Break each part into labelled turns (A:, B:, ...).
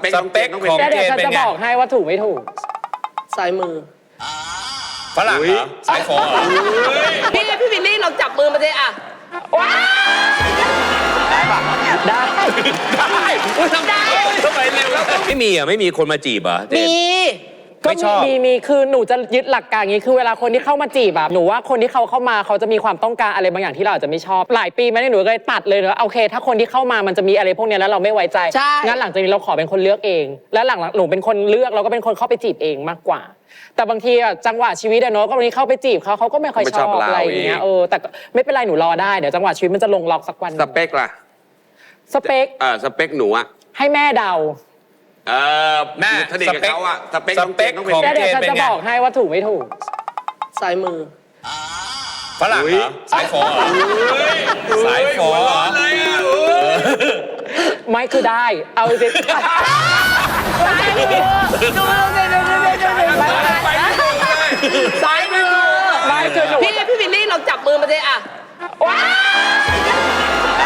A: สเปคของ
B: เดี๋ยวฉันจะบอกให้ว่าถูกไม่ถูก
C: ซ้ายมือ
A: ฝรั่งเหรอสายฟอเหรอ
C: พี่วิลลี่เราจับมือมาเลยอ่ะว้า
B: ได้
A: ได้ทำไมเร็วแล้วไม่มีคนมาจีบเหรอเจน
C: มี
A: ไม่ชอบ
B: มีคือหนูจะยึดหลักการอย่างนี้คือเวลาคนที่เข้ามาจีบแบบหนูว่าคนที่เขาเข้ามาเขาจะมีความต้องการอะไรบางอย่างที่เราอาจจะไม่ชอบหลายปีมาเนี่ยหนูเลยตัดเลยนะโอเค ถ้าคนที่เข้ามามันจะมีอะไรพวกเนี้ยแล้วเราไม่ไว้ใจ
C: ใช่
B: งั้นหลังจากนี้เราขอเป็นคนเลือกเอง แล้วหลังหนูเป็นคนเลือกเราก็เป็นคนเข้าไปจีบเองมากกว่า แต่บางทีอะจังหวะชีวิตอะเนาะก็บางทีเข้าไปจีบเขาก็ไม่ค่อยชอบอะไรอย่างเงี้ยแต่ไม่เป็นไรหนูรอได้เดี๋ยวจังหวะชีวิตมันจะลงล็อกสักวัน
D: สเปคล่ะ
B: สเปค
D: สเปคหนูอะ
B: ให้แม่เดา
D: แม่สนิทกับเขาอะสเปค
A: ส
D: น้อง
A: เป
D: เจ
A: คน
D: ต้อง
A: ของ
D: เป็น
B: เดี๋ยวฉัน
A: เป็น
B: จะ
A: ไง
B: บอกให้ว่าถูกไม่ถูก
C: ซ้ายมือ
A: ฝรั่งเหรอสายฟอเหรอสายฟอเหรอ
B: ไม่คือได้ เอาจริงซ้ายมือดูซ้ายมือไม่คือหนู
C: พี่วิลลี่เราจับมือมาเลยอ่ะว้า
B: ได้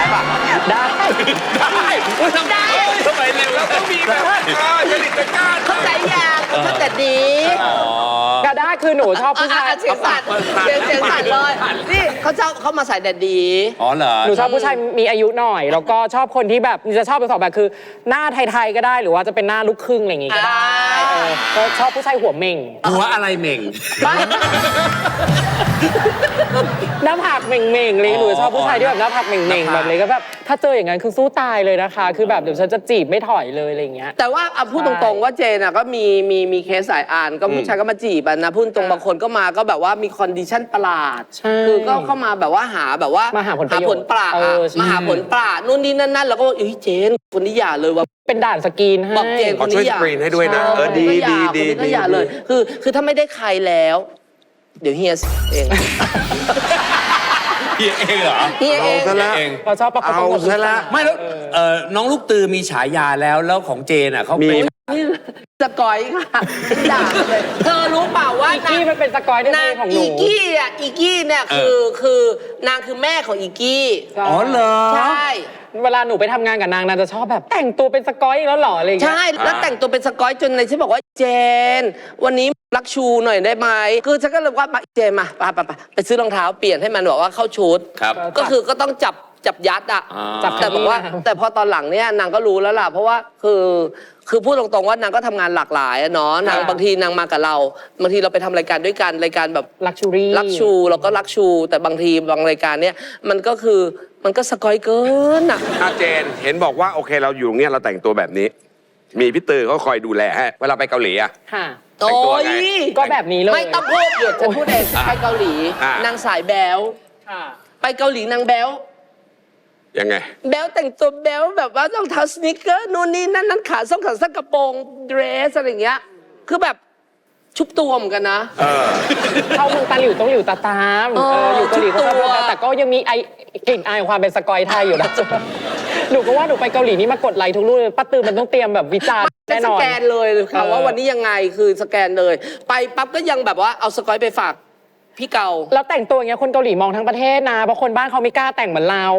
A: ทำไมเร็วแล้วต้องมีแบบจริตจักร
C: เข้าใจยังเข้าแต่ดี
B: ก็ได้คือหนูชอบผู้ชาย
C: เสียงสั่นเสียงสั่นเลยนี่เขามาใส่แดดดี
A: อ๋อเหรอ
B: หนูชอบผู้ชายมีอายุหน่อย แล้วก็ชอบคนที่แบบจะชอบเป็นสองแบบคือ หน้าไทยๆก็ได้หรือว่าจะเป็นหน้าลูกครึ่งอะไรอย่างงี้ก็ได้ก็ชอบผู้ชายหัวเม่ง
A: หัวอะไรเหม่ง
B: หน้าผากเม่งๆเลยหนูชอบผู้ชายที่แบบหน้าผากเม่งๆแบบเลยก็แบบถ้าเจออย่างนั้นคือสู้ตายเลยนะคะ คือแบบเดี๋ยวฉันจะจีบไม่ถอยเลยอะไรอย่างเงี้ย
C: แต่ว่าพูดตรงๆว่าเจนอ่ะก็มีเคสสายอ่านก็ผู้ชายก็มาจีบนะพูดตรงบางคนก็มาก็แบบว่ามีคอนดิชั่นประหลาด
B: ใช่
C: คือก็เข้ามาแบบว่าหาแบบว่า
B: มาหาผลประโยชน์
C: ผลปราด
B: ใช่
C: มาหาผลปราดนู่นนี่นั่นแล้วก็เอ้ยเจนคนนี้อย่าเลยว่า
B: เป็นด่านสกรีนให้
C: บอกเจน
D: ขอช่วยสกรีนให้ด้วยนะ ดี
C: คนนี้ก็อย่าเลยคือถ้าไม่ได้ใครแล้ว เดี๋ยวเฮียเอง
A: เพียเองเหรอ
C: เฮียเอง
D: เอาซะแล้ว
A: เอง
B: เราชอบประกบ
D: เอาซะละ
A: ไม่แล้วน้องลูกตือมีฉายาแล้วของเจนอ่ะเขาเป็น
C: นี่สกอยค่ะด่าเลยเธอรู้เปล่าว่า
B: อีกี้มันเป็นสกอยในเพลงของหนู
C: อีกี้เนี่ยคือนางคือแม่ของอีกี้
A: อ๋อเหรอ
C: ใช่
B: เวลาหนูไปทำงานกับนางนางจะชอบแบบแต่งตัวเป็นสกอยอีกแล้วเหรออะไรอย่างเงี้ย
C: ใช่แล้วแต่งตัวเป็นสกอยจนในฉันบอกว่าเจน วันนี้รักชูหน่อยได้ไหมคือฉันก็เลยว่าเจนมาไปซื้อรองเท้าเปลี่ยนให้มันบอกว่าเข้าชุด
A: ครับ
C: ก็คือก็ต้องจับยัดอ่ะ
A: จับ
C: แต่บอกว่าแต่พอตอนหลังเนี่ยนางก็รู้แล้วล่ะเพราะว่าคือพูดตรงๆว่านางก็ทำงานหลากหลายอะเนาะนางบางทีนางมากับเราบางทีเราไปทำรายการด้วยกันรายการแบบ
B: ลักชูรี่
C: รักชูเราก็รักชู แต่บางทีบางรายการเนี่ยมันก็คือมันก็สกอยเกินอ่ะ
D: เจนเห็นบอกว่าโอเคเราอยู่ตรงเนี้ยเราแต่งตัวแบบนี้ มีพี่ตือเขาคอยดูแลให้เวลาไปเกาหลีอะ
B: ค่ะ
D: แต่งตัวไง
B: ก็แบบนี้เลย
C: ไม่ต้องพูดเดี๋ยวจะพูดเองไปเกาหลี นางสายแบล
B: ค่ะ
C: ไปเกาหลีนางแบล
D: ยังไง
C: แบลแต่งตัวแบลแบบว่ารองเท้าสนิเกอร์นู่นนี่นั่นขาส้นขาสั้นกระโปรงเดรสอะไรอย่างเงี้ยคือแบบชุบตัวเหมือนกันนะ
B: เข้าเมืองตาหลิวต้องหลิวตาตาม อยู่เกาหลีเขาชอบ
C: ชุดตัว
B: แต่ก็ยังมีกลิ่นอายของความเป็นสกอยไทยอยู่นะ หนูก็ว่าหนูไปเกาหลีนี่มากดไลค์ทุกรูปเลยป้าตือมันต้องเตรียมแบบวิจารณ์แน่น
C: ส
B: อน
C: แกนเลยค่ะว่าวันนี้ยังไงคือสแกนเลย ไปปั๊บก็ยังแบบว่าเอาสกอยไปฝากพี่เกา
B: แล้วแต่งตัวอย่างเงี้ยคนเกาหลีมองทั้งประเทศนะเพราะคนบ้านเขาไม่กล้าแต่งเหมือนเรา